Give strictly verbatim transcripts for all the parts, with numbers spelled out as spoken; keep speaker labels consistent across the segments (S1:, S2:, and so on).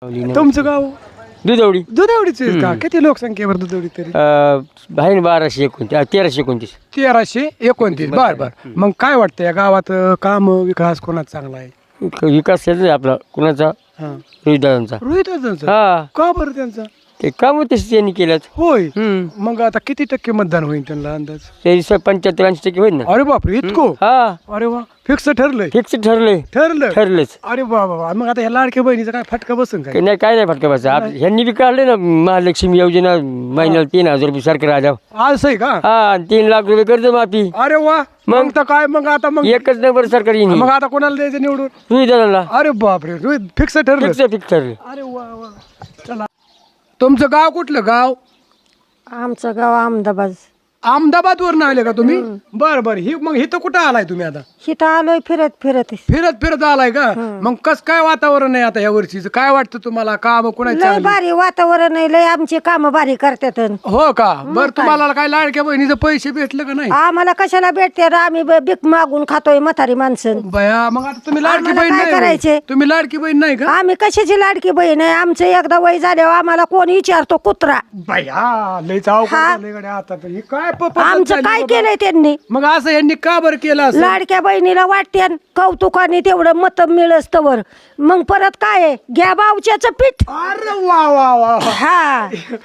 S1: तुमचं गाव
S2: दुधवडी
S1: दुधवडीच आहे का? किती लोकसंख्येवर दुधवडी तरी?
S2: आहे ना बाराशे एकोणतीस तेराशे एकोणतीस
S1: तेराशे एकोणतीस. बर बर. मग काय वाटतं या गावात काम विकास कोणाचा चांगला आहे?
S2: विकास आहे आपला कुणाचा
S1: हा.
S2: रोहितदादांचा
S1: रोहित
S2: हा
S1: का बरं त्यांचा?
S2: ते काम तसे त्यांनी केल्यात
S1: होय.
S2: हम्म
S1: मग आता किती टक्के मतदान होईल त्यांना अंदाज?
S2: ते पंच्याहत्तर ऐंशी टक्के होईल ना.
S1: अरे बापरे इतकं?
S2: हा
S1: अरे वा फिक्स ठरलंय.
S2: फिक्स ठरले
S1: ठरलं
S2: ठरलेच
S1: अरे वा वा. मग आता ह्या लाडक्या बहिणीचा काय फटका बसून काय?
S2: नाही काय नाही फटका बसा ह्यांनी बी काढले ना महालक्ष्मी योजना महिन्याला तीन हजार रुपये सरकार राजा
S1: आज आहे का?
S2: हा आणि तीन लाख रुपये कर्ज माफी
S1: अरे वा. मग तर काय मग आता मग
S2: एकच नंबर सरकार येईन
S1: मग आता कोणाला द्यायचं निवडून?
S2: रोहितदादांना
S1: अरे बापरे रोहित फिक्स ठरलं.
S2: फिक्स फिक्स ठरले.
S1: अरे वा वा. चला तुमचं गाव कुठलं गाव?
S3: आमचं गाव अहमदाबाद.
S1: अहमदाबाद वरून आले का तुम्ही? बर बर. ही मग इथं कुठं आलाय तुम्ही आता?
S3: इथं आलोय फिरत फिरत.
S1: फिरत फिरत आलाय का? मग कस काय वातावरण आहे आता या वर्षीच? काय वाटतं तुम्हाला? काम कोणाची
S3: लय
S1: चांगली?
S3: भारी वातावरण आहे, लय आमची काम भारी करतात.
S1: हो का? बर तुम्हाला काय लाडक्या बहिणीचं पैसे भेटले का नाही?
S3: आम्हाला कशाला भेटते रे? आम्ही ब- भीक मागून खातोय म्हातारी माणसं.
S1: बया मग आता तुम्ही लाडकी
S3: आम्हाला
S1: बहीण
S3: काय
S1: नाही
S3: करायचे?
S1: होय? तुम्ही लाडकी बहीण नाही का?
S3: आम्ही कशाची लाडकी बहीण आहे? आमचं एकदा वय झाल्यावर आम्हाला कोण विचारतो कुत्रा?
S1: बया लय चाव
S3: हा.
S1: आता तर. ही काय प- पद्धत
S3: आमचं
S1: झाली
S3: काय
S1: बाबा?
S3: केलंय त्यांनी?
S1: मग असं यांनी का बरं केलं असं?
S3: लाडक्या बहिणीला वाटते कौतुकाने तेवढं मत मिळस तवर मग परत काय आहे? घ्या बावच्याचं पीठ.
S1: अरे वा वा वा.
S3: हा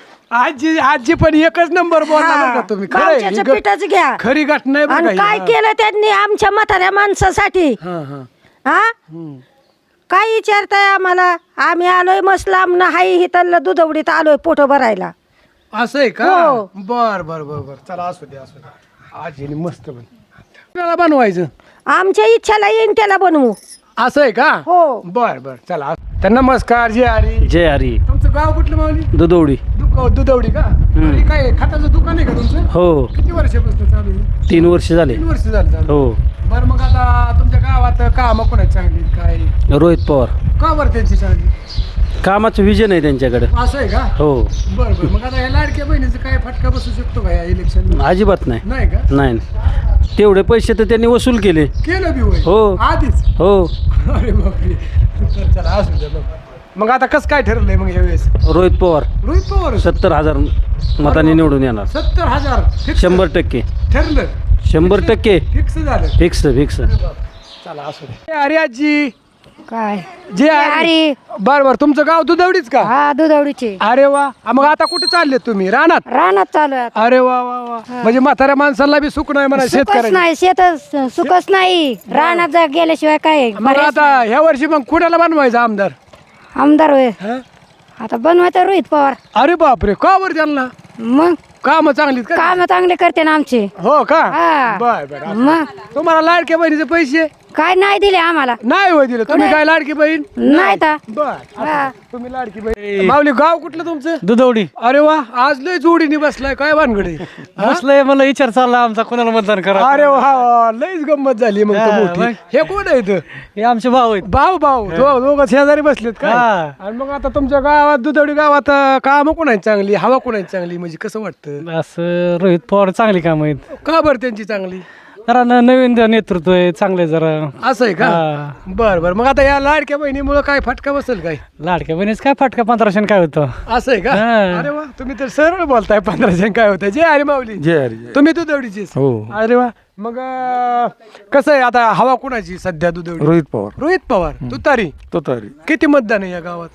S1: आजी आजी पण एकच नंबर बोलला बरं का तुम्ही. खरं आहे. ही
S3: बावच्याचं
S1: ग-
S3: पीठच घ्या.
S1: खरी घटना आहे बरं का
S3: आणि
S1: ही.
S3: काय केलं त्यांनी आमच्या म्हाताऱ्या माणसासाठी?
S1: हा हा.
S3: हा
S1: हम्म.
S3: काय विचारताय आम्हाला? आम्ही आलोय मस्त लांब हाय हिथलं दुधवडीत आलोय पोट भरायला.
S1: असं आहे का?
S3: हो.
S1: बर बर बर बर. चला असू दे असू दे. आजीने मस्त बन कुणाला बनवायचं?
S3: आमच्या इच्छाला येईन त्याला बनवू.
S1: असं आहे का?
S3: हो.
S1: बर बर चला. तर नमस्कार जय हरी.
S4: जय हरी.
S1: तुमचं गाव कुठलं माऊली?
S4: दुधवडी.
S1: दुक- दुधवडी का? आणि काय खताचं दुकान आहे का तुमचं?
S4: हो
S1: किती वर्षापासून चालू आहे?
S4: तीन वर्ष झाले.
S1: तीन वर्ष झालं चालू.
S4: हो
S1: बरं मग आता तुमच्या गावात काम कोणाची चांगली काय?
S4: रोहित पवार.
S1: का बरं त्यांची चांगली?
S4: कामाचं विजन आहे त्यांच्याकडे.
S1: असं आहे का?
S4: हो
S1: बरं बरं. मग आता या लाडक्या बहिणीचं काय फटका बसू शकतो का या इलेक्शन?
S4: अजिबात नाही.
S1: नाही का?
S4: नाही तेवढे पैसे तर त्यांनी वसूल केले.
S1: केलं बी होय?
S4: हो.
S1: आधीच?
S4: हो
S1: अरे बापरे. तर चला असू द्या मग. मग आता कसं काय ठरलंय मग यावेळेस?
S4: रोहित पवार
S1: रोहित पवार
S4: सत्तर हजार मतांनी निवडून येणार.
S1: सत्तर हजार fix
S4: शंभर टक्के.
S1: ठरलं.
S4: शंभर टक्के
S1: फिक्स झालं.
S4: Fix fix.
S1: चला असू द्या. अरे आजी
S3: काय
S1: जे अरे बर बर. तुमचं गाव दुधवडीच का?
S3: हा दुधवडीचे.
S1: अरे वा. मग आता कुठे चालले तुम्ही? रानात?
S3: रानात चालू आहे.
S1: अरे वा वा वा. म्हणजे म्हाताऱ्या माणसाला बी सुख नाही म्हणा
S3: सुखच
S1: शेतकऱ्याला.
S3: नाही शेतच सुखच नाही. रानात जा गेल्याशिवाय काय
S1: मग आता ह्या वर्षी मग कुणाला बनवायचं आमदार?
S3: आमदार होय.
S1: हं?
S3: आता बनवायचं रोहित पवार.
S1: अरे बापरे. का बरं त्यांना?
S3: मग
S1: काम चांगलीत का?
S3: काम चांगले करते ना आमचे.
S1: हो का?
S3: हा.
S1: बर बर.
S3: मग
S1: तुम्हाला लाडक्या बहिणीचे पैसे
S3: काय नाही दिले आम्हाला.
S1: नाही होय दिले? तुम्ही काय लाडकी बहीण?
S3: नाही तर
S1: बर.
S3: हा.
S1: तुम्ही लाडकी बहीण. माऊली गाव कुठलं तुमचं?
S4: दुधवडी.
S1: अरे वा. आज लय जोडीने बसलाय. काय भानगडे?
S4: बसलंय मला विचार चालला आमचा कोणाला मतदान करा.
S1: अरे वा वा. लयच गंमत झाली मग तर
S4: हा,
S1: मोठी.
S4: मग?
S1: हे कोण आहे इथं?
S4: हे आमचे भाऊ आहेत.
S1: भाऊ भाऊ दो- दोघं शेजारी बसलेत का?
S4: हा.
S1: आणि मग आता तुमच्या गावात दुधवडी गावात काम कोणाची चांगली? हवा कोणाची चांगली? म्हणजे कसं वाटतं?
S4: असं रोहित पवार चांगली काम आहेत.
S1: का बरं त्यांची चांगली?
S4: जरा न- नवीन नेतृत्व आहे चांगले जरा.
S1: असं आहे का?
S4: हा.
S1: बर बर. मग आता या लाडक्या बहिणीमुळे काय फटका बसेल काय?
S4: लाडक्या बहिणीच काय फटका पंधराशे काय होतं.
S1: असं आहे का?
S4: हा.
S1: अरे वा. तुम्ही तर सरळ बोलताय. पंधराशे काय होतं? जे अरे माऊली
S5: जय हरी.
S1: तुम्ही दुधवडीचीच?
S5: हो.
S1: अरे वा. मग अं, कसं आहे आता हवा कोणाची सध्या दुधवडी?
S5: रोहित पवार.
S1: रोहित पवार तुतारी.
S5: तोतारी.
S1: किती मतदान आहे या गावात?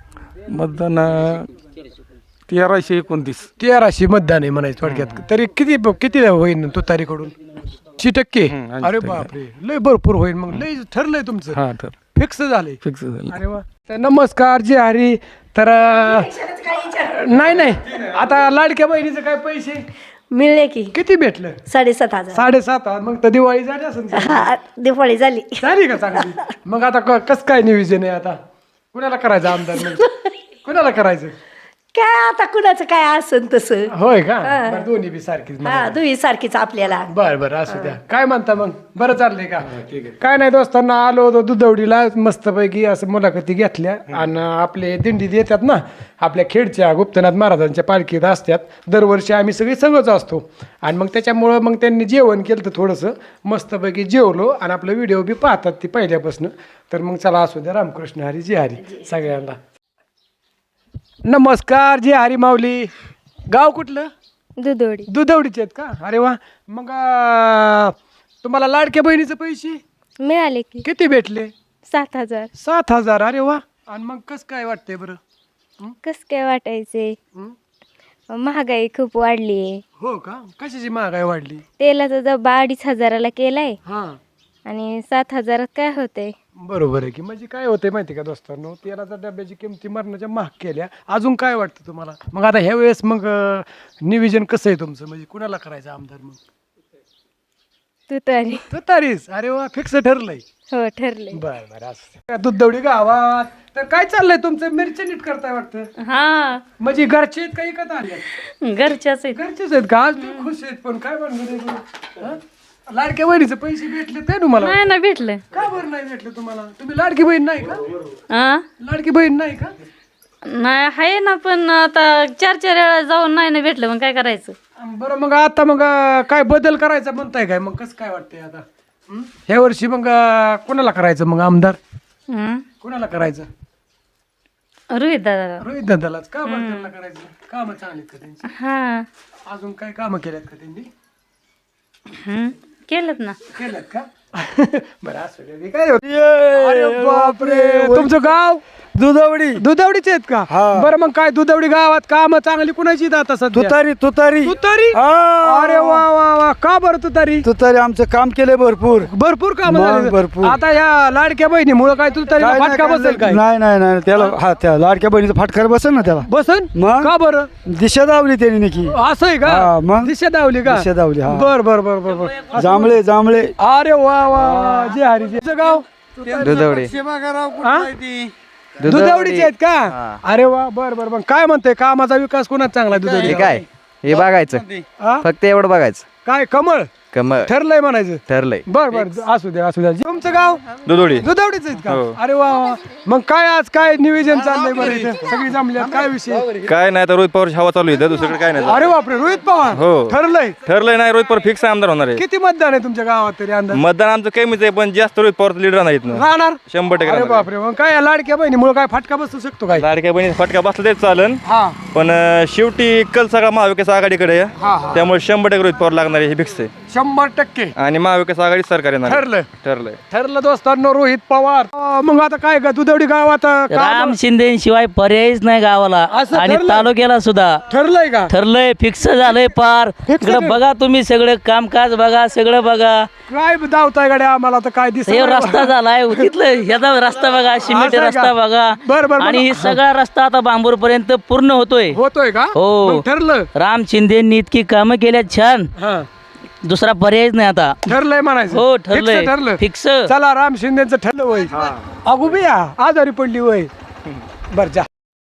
S5: मतदान अं, तेराशे एकोणतीस.
S1: तेराशे मतदान आहे म्हणायचं थोडक्यात. तरी किती किती होईल तुतारीकडून? ऐंशी टक्के?
S5: हम्म, ऐंशी
S1: अरे
S5: टक्के.
S1: बापरे. लय भरपूर होईल मग. लय ठरलंय तुमचं?
S5: हा तर
S1: फिक्स झालंय?
S5: फिक्स झालं.
S1: अरे वा. तर नमस्कार जे हरी. तर अं, नाही नाही आता लाडक्या बहिणीचे काय पैसे
S3: मिळले की
S1: किती भेटलं?
S3: साडेसात हजार.
S1: साडेसात हजार. मग तर दिवाळी झाली असेल की?
S3: हा, दिवाळी झाली.
S1: झाली का चांगली? मग आता क- कसं काय नियोजन आहे आता? कुणाला करायचं आमदार? मग कुणाला करायचं?
S3: काय आता कुणाचं काय असन तसं.
S1: होय का? बरं, दोन्ही बी सारखीच.
S3: हा दुई सारखीच आपल्याला.
S1: बर बर असू द्या. काय म्हणता मग? बरं चाललंय का? काय नाही दोस्तांना आलो होतो दुधवडीला मस्तपैकी असं मुलाखती घेतल्या. आणि आपले दिंडीत येतात ना आपल्या खेडच्या गुप्तनाथ महाराजांच्या पालखीत असतात दरवर्षी. आम्ही सगळे संघच असतो. आणि मग त्याच्यामुळं मग त्यांनी जेवण केलं तर थोडंसं मस्तपैकी जेवलो. आणि आपलं व्हिडिओ बी पाहतात ती पहिल्यापासून. तर मग चला असू द्या. रामकृष्ण हरी जी हरी सगळ्यांना. नमस्कार जे हरी माऊली. गाव कुठलं?
S6: दुधोडी.
S1: दुधवडीचे आहेत का? अरे वा. मग अं, तुम्हाला लाडक्या बहिणीचे पैसे
S6: मिळाले की
S1: किती भेटले?
S6: सात हजार.
S1: सात हजार. अरे वा. आणि मग कसं काय वाटतंय बरं?
S6: कस काय वाटायचे?
S1: हं?
S6: महागाई खूप वाढली आहे.
S1: हो का? कशाची महागाई वाढली?
S6: तेलाचा डब्बा अडीच हजाराला केलाय
S1: हा
S6: आणि सात हजारात काय होतंय?
S1: बरोबर आहे की. म्हणजे काय होतंय माहिती का दोस्तांनो, तेलाच्या डब्याची किमती मरणाच्या महाग केल्या. अजून काय वाटतं तुम्हाला? मग आता ह्या वेळेस मग अं, नियोजन कसं आहे तुमचं? म्हणजे कुणाला करायचं आमदार? मग
S6: तू तरी.
S1: तू तरीच. अरे वा. फिक्स ठरलंय.
S6: हो ठरले.
S1: बर बर. असं दुधवडी गावात तर काय चाललंय तुमचं? मिरची नीट करताय वाटतं.
S6: हा
S1: म्हणजे घरचे आहेत का इकत आले?
S6: घरच्याच आहेत.
S1: घरचेच आहेत का? आज तुम्ही खुश आहेत. पण काय म्हणणार लाडक्या बहिणीचे पैसे भेटले ते तुम्हाला?
S6: नाही ना भेटलं.
S1: का बरं नाही भेटले तुम्हाला? तुम्ही लाडकी बहीण नाही का?
S6: हा
S1: लाडकी बहीण नाही का?
S6: नाही आहे ना, पण आता चार चार वेळा जाऊन नाही ना भेटलं, मग काय करायचं?
S1: बरं मग आता मग अं, काय बदल करायचा म्हणताय काय? मग कसं काय वाटतंय आता हं? ह्या वर्षी मग अं, कोणाला करायचं मग आमदार?
S6: हं?
S1: कोणाला करायचं?
S6: रोहित दादा.
S1: रोहित दादालाच. का बरं त्यांना करायचं? कामं चांगलीत का त्यांची?
S6: हा.
S1: अजून काय कामं केल्यात का त्यांनी?
S6: हं? केलं ना.
S1: केल्यात का? बरं असं काय. काय होतं? अरे बापरे. तुमचं गाव
S7: दुधवडी.
S1: दुधवडीचे आहेत का? बरं मग काय दुधवडी गावात काम चांगली कुणाची आता सध्या?
S7: तुतारी तुतारी
S1: तुतारी.
S7: हा.
S1: अरे वा वा वा. का बरं तुतारी?
S7: तुतारी आमचं काम केलंय भरपूर.
S1: भरपूर काम
S7: मग
S1: झाले.
S7: भरपूर.
S1: आता या लाडक्या बहिणीमुळे काय तुतारी
S7: काय नाही,
S1: फटका
S7: काय
S1: बसेल काय?
S7: नाही नाही नाही त्याला हा त्या लाडक्या बहिणीचा फटकार बसेल ना त्याला.
S1: बसन.
S7: मग?
S1: का बरं?
S7: दिशा दावली त्यांनी नक्की.
S1: असं आहे
S7: हा,
S1: का?
S7: मग?
S1: दिशा दावली का?
S7: दिशा दावली, हा.
S1: बर बर बर बर बर.
S7: जांभळे जांभळे.
S1: अरे वा वा वा. जे हरी जे गाव
S8: दुधवडी.
S1: हा? दुधवडीचे आहेत का? अरे वा. बर बर बर. काय म्हणते कामाचा विकास कोणाच चांगला आहे दुधवडी?
S8: हे काय हे बघायचं
S1: हा?
S8: फक्त एवढं बघायचं.
S1: काय कमळ
S8: कमळ
S1: ठरलंय म्हणायचं?
S8: ठरलंय.
S1: बर बर. असू द्या असू द्या. तुमचं गाव
S8: दुधवडी.
S1: दुधवडीच आहेत का? अरे वा वा. मग काय आज काय नियोजन चाललंय बरं इथं? सगळी जमल्यात काय विषय?
S8: काय नाही तर रोहित पवार हवा चालू आहे दुसरीकडे काय नाही.
S1: अरे बापरे. रोहित पवार.
S8: हो.
S1: ठरलंय.
S8: ठरलंय नाही रोहित पवार फिक्स आमदार होणार आहे.
S1: किती मतदान आहे तुमच्या गावात तरी अंदाज?
S8: मतदान आमचं कमीच आहे पण जास्त रोहित पवार लीडर नाहीत ना.
S1: राहणार
S8: शंभर टक्के
S1: अरे
S8: राहणार.
S1: बापरे. मग काय या लाडक्या बहिणीमुळे काय फटका बसू शकतो काय?
S8: लाडक्या बहिणी फटका बसला तेच चालन
S1: हा
S8: पण अं, शेवटी कल सगळा महाविकास आघाडीकडे आहे.
S1: हा, हा.
S8: त्यामुळे शंभर टक्के रोहित पवार लागणार आहे हे फिक्स आहे.
S1: शंभर टक्के
S8: आणि महाविकास आघाडी सरकार येणार आहे.
S1: ठरलं.
S8: ठरलंय.
S1: ठरलं दोस्तांनो. रोहित पवार. अं, मग आता काय का दुधवडी गावात अं, काम-
S9: राम शिंदेशिवाय पर्यायच नाही गावाला
S1: असं
S9: आणि
S1: ठरलं?
S9: तालुक्याला सुद्धा
S1: ठरलंय का?
S9: ठरलंय फिक्स झालंय पार.
S1: Fix
S9: इकडे
S1: झालंय?
S9: बघा तुम्ही सगळं कामकाज बघा सगळं बघा.
S1: काय दावताय गाड्या आम्हाला तर काय दिसत
S9: हे रस्ता झालाय तिथलं ह्याचा रस्ता बघा सिमेंट
S1: असं आहे
S9: रस्ता
S1: का?
S9: बघा
S1: बरं, बरं,
S9: आणि
S1: बरं.
S9: सगळा रस्ता आता बांबूर पर्यंत पूर्ण होतोय.
S1: होतोय का?
S9: हो.
S1: मग ठरलं.
S9: राम शिंदेनी इतकी कामं केल्यात छान
S1: हा
S9: दुसरा पर्यायच नाही आता.
S1: ठरलंय म्हणायचं.
S9: हो
S1: Fix
S9: ठरलंय
S1: ठरलं.
S9: फिक्स.
S1: चला राम शिंदेचं ठरलं वय. अगो बिया आजारी पडली वय. बर जा.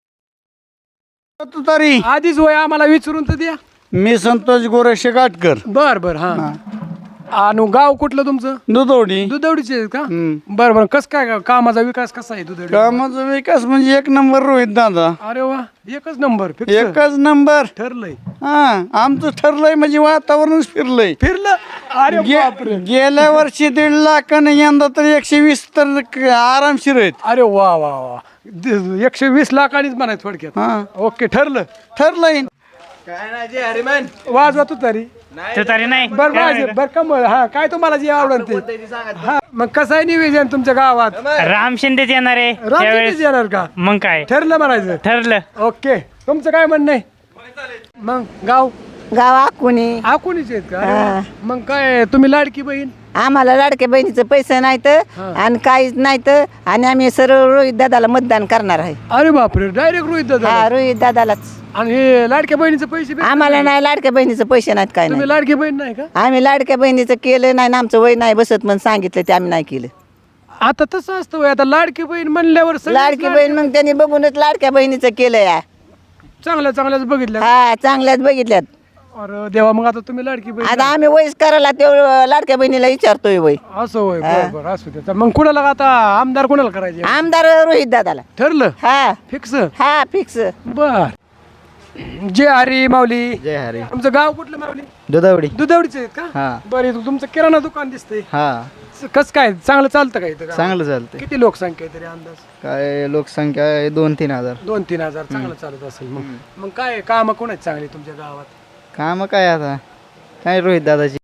S7: तुतारी.
S1: आधीच वय आम्हाला विचारून तर द्या.
S7: मी संतोष गोरेशे काटकर.
S1: बर बर. हा आणि गाव कुठलं तुमचं?
S7: दुधवडी.
S1: दुधवडीचे आहेत का? बर बर. कस काय का- कामाचा विकास कसा आहे दुधवडी?
S7: कामाचा विकास म्हणजे एक नंबर रोहित दादा.
S1: अरे वा. एकच नंबर. फिक्स
S7: एकच नंबर.
S1: ठरलंय.
S7: हा आमचं ठरलंय म्हणजे वातावरणच फिरलंय.
S1: फिरलं. अरे
S7: गे-
S1: बापरे.
S7: गेल्या वर्षी दीड लाख आणि यंदा तर एकशे वीस तर क- आरामशीर आहेत.
S1: अरे वा वा वा. द- एकशे वीस लाखांनीच म्हणायचं थोडक्यात.
S7: हा
S1: ओके ठरलं.
S7: ठरलंय.
S1: वाजवा तू तरी.
S4: तुतारी नाही.
S1: बर वाज बर कमळ. हा काय तुम्हाला जे आवडत ते. हा मग कसं आहे निवेदन तुमच्या गावात?
S4: राम शिंदेच येणार आहे
S1: रामचंद्रच येणार का?
S4: मग काय
S1: ठरलं म्हणायचं.
S4: ठरलं.
S1: ओके. तुमचं काय म्हणणं आहे? मग गाव
S3: गावा कोणी
S1: आकुणीचे आहेत का? अरे, मग काय तुम्ही लाडकी बहीण?
S3: आम्हाला लाडक्या बहिणीचं पैसे नाहीत आणि काहीच नाहीत आणि आम्ही सरळ रोहित दादाला मतदान करणार आहे.
S1: अरे बापरे. डायरेक्ट रोहित दादा.
S3: हा रोहित दादालाच.
S1: आणि हे लाडक्या बहिणीचे पैसे भेटतात
S3: आम्हाला
S1: नाही?
S3: नाही लाडक्या बहिणीचं पैसे नाहीत काय
S1: तुम्ही
S3: नाही.
S1: लाडकी बहीण नाही का?
S3: आम्ही लाडक्या बहिणीचं केलं नाही ना आमचं वय नाही बसत म्हणून सांगितलं ते आम्ही नाही केलं.
S1: आता तसं असतं होय. आता लाडकी बहीण म्हणल्यावर सगळेच
S3: लाडकी बहीण मग त्यांनी बघूनच लाडक्या बहिणीचं केलं या.
S1: चांगल्या चांगल्याच बघितल्या.
S3: हा चांगल्याच बघितल्यात.
S1: अरे देवा. मग आता तुम्ही लाडकी बहीण
S3: आता आम्ही वयस करायला तेवढं लाडक्या बहिणीला विचारतोय वय.
S1: असं होय. बरं बरं असू दे. तर मग कुणाला आता आमदार कुणाला करायचे?
S3: आमदार रोहित दादाला.
S1: ठरलं.
S3: हा
S1: फिक्स.
S3: हा फिक्स.
S1: बर. जय हरी माऊली.
S8: जय हरी.
S1: तुमचं गाव कुठलं माऊली?
S8: दुधवडी.
S1: दुधवडीचे आहेत का?
S8: हा.
S1: बरं. इथं तुमचं किराणा दुकान दिसतंय.
S8: हा
S1: कसं काय चांगलं चालतं का इथं गावात?
S7: चांगलं चालतंय.
S1: किती लोकसंख्या आहे तरी अंदाज?
S7: काय लोकसंख्या आहे दोन तीन हजार.
S1: दोन तीन हजार चांगलं चालत असेल मग मग काय काम कोणाची चांगली तुमच्या गावात?
S7: कामं काय आता काय रोहित दादाची